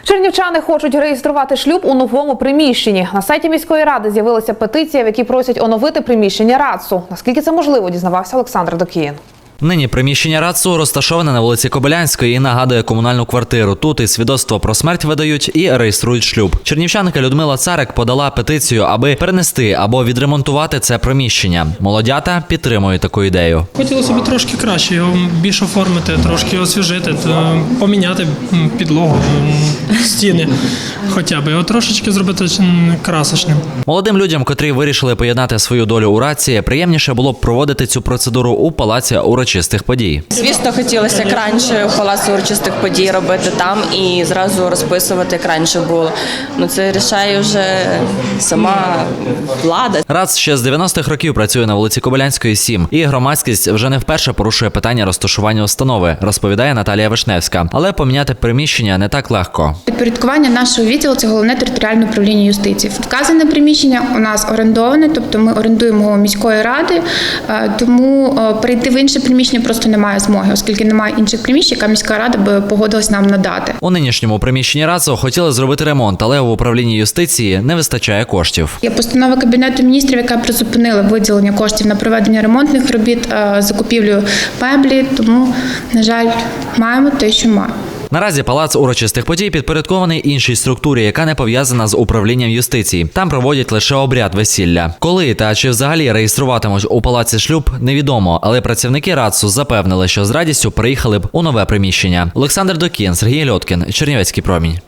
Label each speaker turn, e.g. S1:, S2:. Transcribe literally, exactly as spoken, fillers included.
S1: Чернівчани хочуть реєструвати шлюб у новому приміщенні. На сайті міської ради з'явилася петиція, в якій просять оновити приміщення РАЦУ. Наскільки це можливо, дізнавався Олександр Докіїн.
S2: Нині приміщення РАЦУ розташоване на вулиці Кобилянської і нагадує комунальну квартиру. Тут і свідоцтво про смерть видають, і реєструють шлюб. Чернівчанка Людмила Царик подала петицію, аби перенести або відремонтувати це приміщення. Молодята підтримують таку ідею.
S3: Хотілося б трошки краще його більш оформити, трошки освіжити, поміняти підлогу, стіни хоча б, його трошечки зробити красочним.
S2: Молодим людям, котрі вирішили поєднати свою долю у РАЦі, приємніше було б проводити цю процедуру у палаці урочистих подій.
S4: Звісно, хотілося як раніше в палаці урочистих подій робити там і зразу розписувати, як раніше було. Ну це рішає вже сама влада.
S2: РАЦ ще з дев'яностих років працює на вулиці Кобилянської, сім. І громадськість вже не вперше порушує питання розташування установи, розповідає Наталія Вишневська. Але поміняти приміщення не так легко.
S5: Підпорядкування нашого відділу – це головне територіальне управління юстиції. Вказане приміщення у нас орендоване, тобто ми орендуємо його міської ради, тому перейти в інше приміщення просто немає змоги, оскільки немає інших приміщень, яка міська рада би погодилась нам надати.
S2: У нинішньому приміщенні РАЦу хотіли зробити ремонт, але в управлінні юстиції не вистачає коштів.
S5: Є постанова Кабінету міністрів, яка призупинила виділення коштів на проведення ремонтних робіт, закупівлю меблі, тому, на жаль, маємо те, що маємо.
S2: Наразі палац урочистих подій підпорядкований іншій структурі, яка не пов'язана з управлінням юстиції. Там проводять лише обряд весілля. Коли та чи взагалі реєструватимуть у палаці шлюб, невідомо, але працівники РАЦу запевнили, що з радістю приїхали б у нове приміщення. Олександр Докіїн, Сергій Льоткін, Чернівецький промінь.